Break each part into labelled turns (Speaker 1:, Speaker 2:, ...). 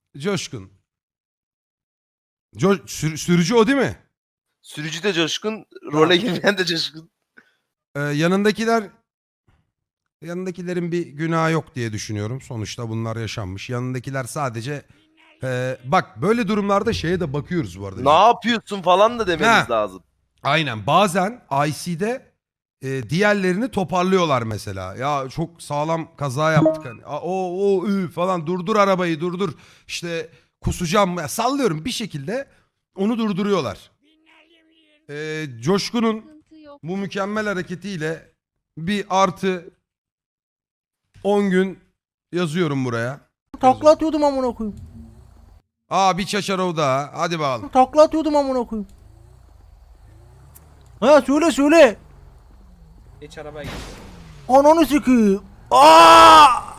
Speaker 1: Coşkun. Sürücü o değil mi?
Speaker 2: Sürücü de Coşkun, role girmeyen de Coşkun.
Speaker 1: Yanındakilerin bir günahı yok diye düşünüyorum. Sonuçta bunlar yaşanmış. Yanındakiler sadece bak böyle durumlarda şeye de bakıyoruz bu arada.
Speaker 2: Ne yapıyorsun falan da dememiz
Speaker 1: Ha.
Speaker 2: lazım.
Speaker 1: Aynen. Bazen IC'de diğerlerini toparlıyorlar mesela. Ya çok sağlam kaza yaptık hani. Falan durdur arabayı durdur. İşte kusacağım. Ya, sallıyorum bir şekilde onu durduruyorlar. Coşkun'un bu mükemmel hareketiyle bir artı 10 gün yazıyorum buraya.
Speaker 3: Takla atıyordum amına koyayım.
Speaker 1: Bir Çaçarov daha. Hadi bakalım.
Speaker 3: Takla atıyordum amına koyayım. Ha söyle.
Speaker 4: Geç arabaya geç.
Speaker 3: Ananı sikeyim. Aa!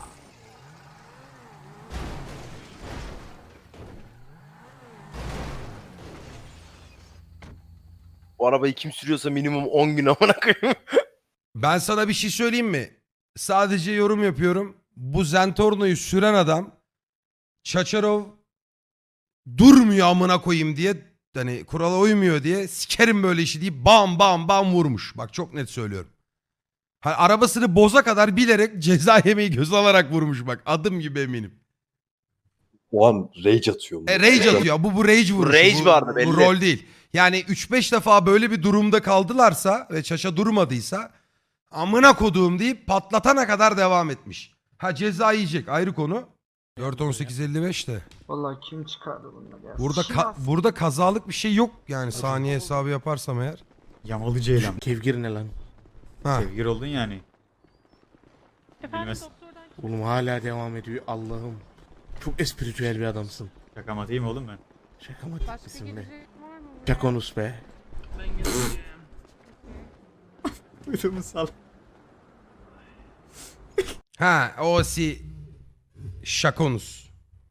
Speaker 2: O arabayı kim sürüyorsa minimum 10 gün amına koyayım.
Speaker 1: Ben sana bir şey söyleyeyim mi? Sadece yorum yapıyorum. Bu Zentorno'yu süren adam Çaçarov durmuyor amına koyayım diye, hani kurala uymuyor diye sikerim böyle işi deyip bam bam bam vurmuş. Bak çok net söylüyorum. Hani arabasını boza kadar bilerek ceza yemeyi göz alarak vurmuş bak. Adım gibi eminim.
Speaker 5: O an rage atıyor.
Speaker 1: Rage atıyor. Bu rage vuruşu.
Speaker 2: Rage vardı belli.
Speaker 1: Bu rol değil. Yani 3-5 defa böyle bir durumda kaldılarsa ve Çaça durmadıysa amına koduğum deyip patlatana kadar devam etmiş. Ha ceza yiyecek ayrı konu. 4-18-55 de.
Speaker 4: Vallahi kim çıkardı bunu ya?
Speaker 1: Burada kazalık bir şey yok yani saniye hesabı yaparsam eğer.
Speaker 6: Yamalı Ceylan.
Speaker 3: Kevgir ne lan?
Speaker 1: Ha.
Speaker 6: Sevgili oldun yani.
Speaker 7: Efendim
Speaker 6: Bilmez.
Speaker 7: doktordan
Speaker 3: Oğlum hala devam ediyor. Allah'ım. Çok espritüel bir adamsın.
Speaker 6: Şakamatayım oğlum ben.
Speaker 3: Şakamatik
Speaker 7: başka
Speaker 3: misin be?
Speaker 7: gelecek var mı?
Speaker 3: Şakonus be.
Speaker 6: Ödümü sal.
Speaker 1: Ha o Şakonus.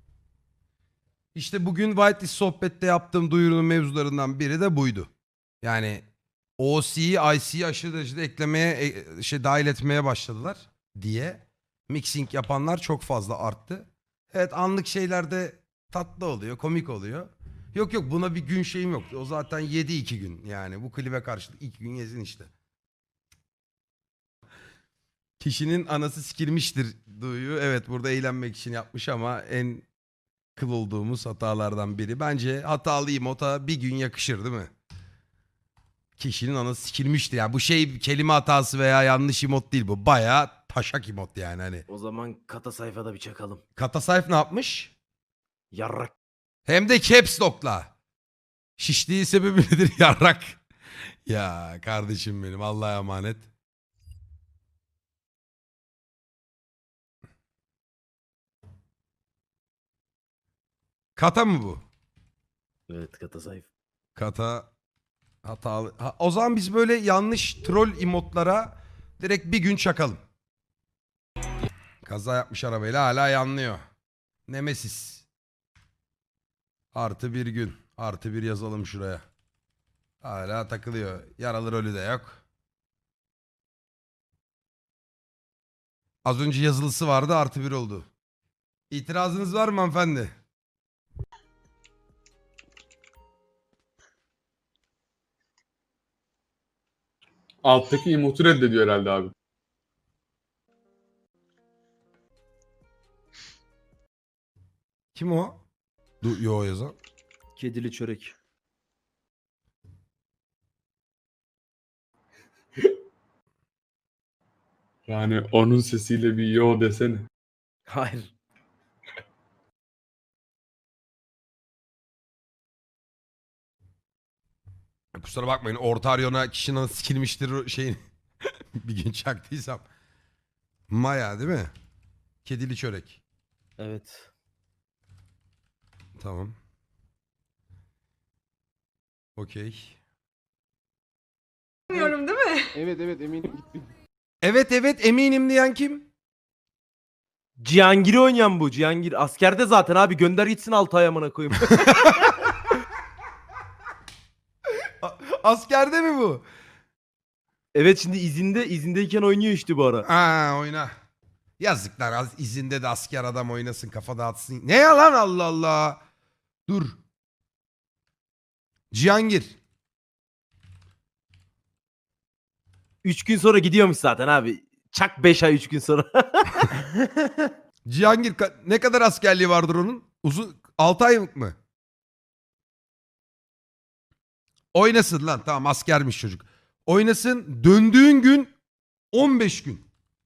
Speaker 1: İşte bugün Whitelist sohbette yaptığım duyurunun mevzularından biri de buydu. Yani OC'yi IC'yi aşırı derecede eklemeye dahil etmeye başladılar diye. Mixing yapanlar çok fazla arttı. Evet anlık şeylerde tatlı oluyor, komik oluyor. Yok buna bir gün şeyim yok. O zaten yedi 2 gün yani. Bu klibe karşılık 2 gün yesin işte. Kişinin anası sikilmiştir duyu. Evet burada eğlenmek için yapmış ama en kıl olduğumuz hatalardan biri. Bence hatalı emota bir gün yakışır değil mi? Kişinin anası sikilmiştir. Yani bu şey kelime hatası veya yanlış emot değil bu. Bayağı taşak emot yani hani.
Speaker 2: O zaman kata sayfada bir çakalım.
Speaker 1: Kata sayf ne yapmış?
Speaker 2: Yarrak.
Speaker 1: Hem de caps lock'la. Şişliği sebebi nedir yarrak? Ya kardeşim benim Allah'a emanet. Kata mı bu?
Speaker 2: Evet kata sayfa.
Speaker 1: Kata hatalı. O zaman biz böyle yanlış troll emotlara direkt bir gün çakalım. Kaza yapmış arabayla hala yanlıyor. Nemesis. Artı bir gün. Artı bir yazalım şuraya. Hala takılıyor. Yaralı rolü de yok. Az önce yazılısı vardı artı bir oldu. İtirazınız var mı hanımefendi?
Speaker 8: Alttaki emotu reddediyor herhalde abi.
Speaker 1: Kim o? Yo yazan.
Speaker 2: Kedili çörek.
Speaker 8: Yani onun sesiyle bir yo desene.
Speaker 2: Hayır.
Speaker 1: Kusura bakmayın Ortaryon'a kişinin sikilmiştir şeyin bir gün çaktıysam. Maya değil mi? Kedili çörek.
Speaker 2: Evet.
Speaker 1: Tamam. Okey.
Speaker 7: Bilmiyorum değil mi?
Speaker 9: Evet eminim.
Speaker 1: Evet eminim diyen kim?
Speaker 2: Cihangir'i oynayan bu. Cihangir askerde zaten abi, gönder gitsin 6 ay amına koyayım.
Speaker 1: Askerde mi bu?
Speaker 2: Evet şimdi izindeyken oynuyor işte bu ara.
Speaker 1: Ha oyna. Yazıklar, az izinde de asker adam oynasın, kafa dağıtsın. Ne ya lan, Allah Allah. Dur. Cihangir.
Speaker 2: 3 gün sonra gidiyormuş zaten abi. Çak 5 ay 3 gün sonra.
Speaker 1: Cihangir ne kadar askerliği vardır onun? 6 ay mı? Oynasın lan, tamam askermiş çocuk. Oynasın, döndüğün gün 15 gün.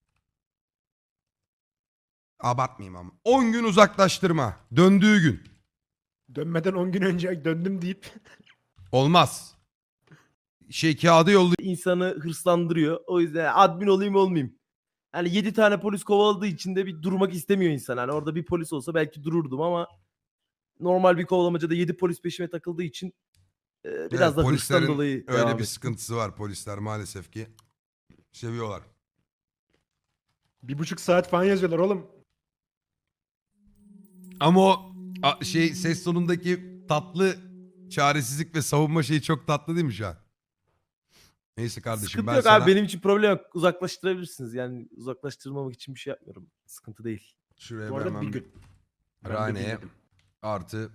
Speaker 1: Abartmayayım ama. 10 gün uzaklaştırma. Döndüğü gün.
Speaker 3: Dönmeden 10 gün önce döndüm deyip.
Speaker 1: Olmaz. Kağıdı yolluyor.
Speaker 2: İnsanı hırslandırıyor. O yüzden admin olayım olmayayım. Hani 7 tane polis kovaladığı için de bir durmak istemiyor insan. Hani orada bir polis olsa belki dururdum ama normal bir kovalamacada 7 polis peşime takıldığı için biraz da hırstan
Speaker 1: Polislerin
Speaker 2: dolayı
Speaker 1: öyle
Speaker 2: devam
Speaker 1: bir
Speaker 2: ettim.
Speaker 1: sıkıntısı var, polisler maalesef ki. Seviyorlar.
Speaker 3: 1,5 saat falan yazıyorlar oğlum.
Speaker 1: Ama o ses tonundaki tatlı çaresizlik ve savunma şeyi çok tatlı değil mi şu an? Neyse kardeşim,
Speaker 2: Sıkıntı
Speaker 1: ben
Speaker 2: yok
Speaker 1: sana
Speaker 2: abi, benim için problem yok. Uzaklaştırabilirsiniz. Yani uzaklaştırmamak için bir şey yapmıyorum. Sıkıntı değil.
Speaker 1: şuraya
Speaker 3: Bu arada
Speaker 1: hemen
Speaker 3: bir gün. Ben de
Speaker 1: Rane'ye
Speaker 3: dinledim.
Speaker 1: artı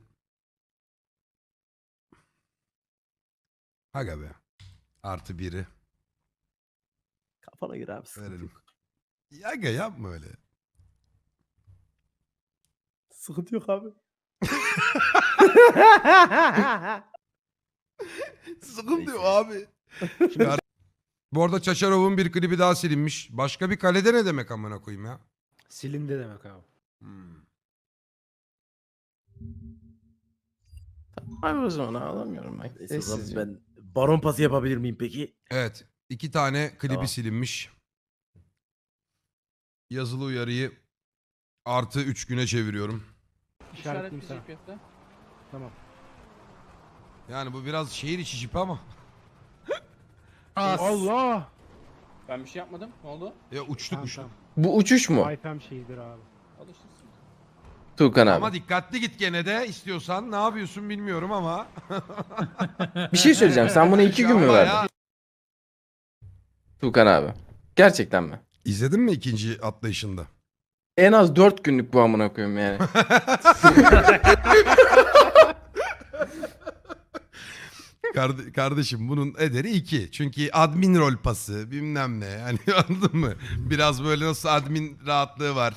Speaker 1: aga be artı 1'i
Speaker 2: Kafana göre abi, sıkıntı
Speaker 1: verelim.
Speaker 2: yok.
Speaker 1: Aga yapma öyle.
Speaker 2: Sıkıntı yok abi.
Speaker 1: Sıkıntı yok abi. Bu arada Çaçarov'un bir klibi daha silinmiş. Başka bir kalede ne demek amına koyayım ya?
Speaker 3: Silindi demek abi.
Speaker 9: Abi o zaman ağlamıyorum ben.
Speaker 2: Neyse, o zaman
Speaker 9: Sessizce.
Speaker 2: ben baron pası yapabilir miyim peki?
Speaker 1: Evet. 2 tane klibi
Speaker 2: Tamam.
Speaker 1: silinmiş. Yazılı uyarıyı artı 3 güne çeviriyorum.
Speaker 4: İşaretleyeyim sana.
Speaker 3: Tamam.
Speaker 1: Yani bu biraz şehir içi jip ama.
Speaker 3: Allah!
Speaker 4: Ben bir şey yapmadım. Ne oldu?
Speaker 1: Ya uçtuk uçtuk.
Speaker 9: Bu uçuş mu?
Speaker 3: IPM şeyidir abi.
Speaker 4: Alışırsın.
Speaker 9: Tuğkan abi.
Speaker 1: Ama dikkatli git gene de istiyorsan. Ne yapıyorsun bilmiyorum ama.
Speaker 9: Bir şey söyleyeceğim. Sen buna 2 gün mü
Speaker 1: Ama
Speaker 9: verdin?
Speaker 1: ya-
Speaker 9: Tuğkan abi. Gerçekten mi?
Speaker 1: İzledin mi ikinci atlayışında?
Speaker 9: En az 4 günlük bu amına koyayım yani.
Speaker 1: Kardeşim bunun ederi 2. Çünkü admin rol pası bilmem ne. Hani anladın mı? Biraz böyle nasıl admin rahatlığı var.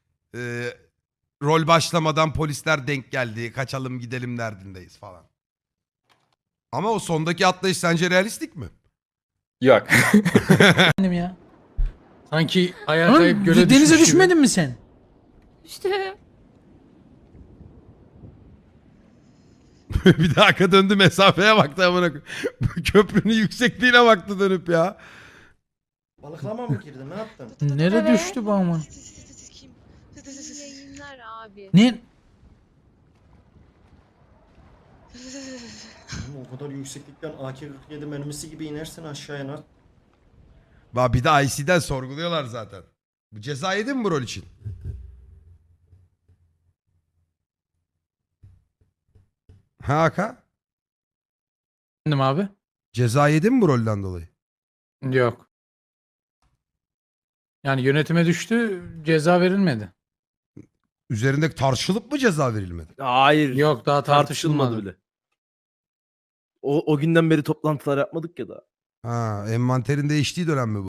Speaker 1: Rol başlamadan polisler denk geldi. Kaçalım gidelim derdindeyiz falan. Ama o sondaki atlayış sence realistik mi?
Speaker 9: Yok.
Speaker 10: ya. Sanki ayağa kayıp göle denize düşmedin mi sen?
Speaker 7: İşte
Speaker 1: Bir de arka döndü, mesafeye baktı amına koyayım. Köprünün yüksekliğine baktı dönüp ya.
Speaker 11: Balıklama mı girdin? Ne yaptın?
Speaker 10: Nereye düştü bu aman?
Speaker 7: yayınlar abi.
Speaker 10: Ne?
Speaker 11: Oğlum o kadar yükseklikten AK-47 mermisi gibi inersin aşağıya lan.
Speaker 1: Bak bir de IC'den sorguluyorlar zaten. Bu ceza yedin mi bu rol için? Ha Aka?
Speaker 10: Efendim abi?
Speaker 1: Ceza yedin mi bu rolden dolayı?
Speaker 10: Yok. Yani yönetime düştü, ceza verilmedi.
Speaker 1: Üzerinde tartışılıp mı ceza verilmedi?
Speaker 2: Hayır.
Speaker 10: Yok, daha
Speaker 2: Tartışılmadı
Speaker 10: tartışılmadı.
Speaker 2: bile. O günden beri toplantılar yapmadık ya da.
Speaker 1: Ha, envanterin değiştiği dönem mi bu?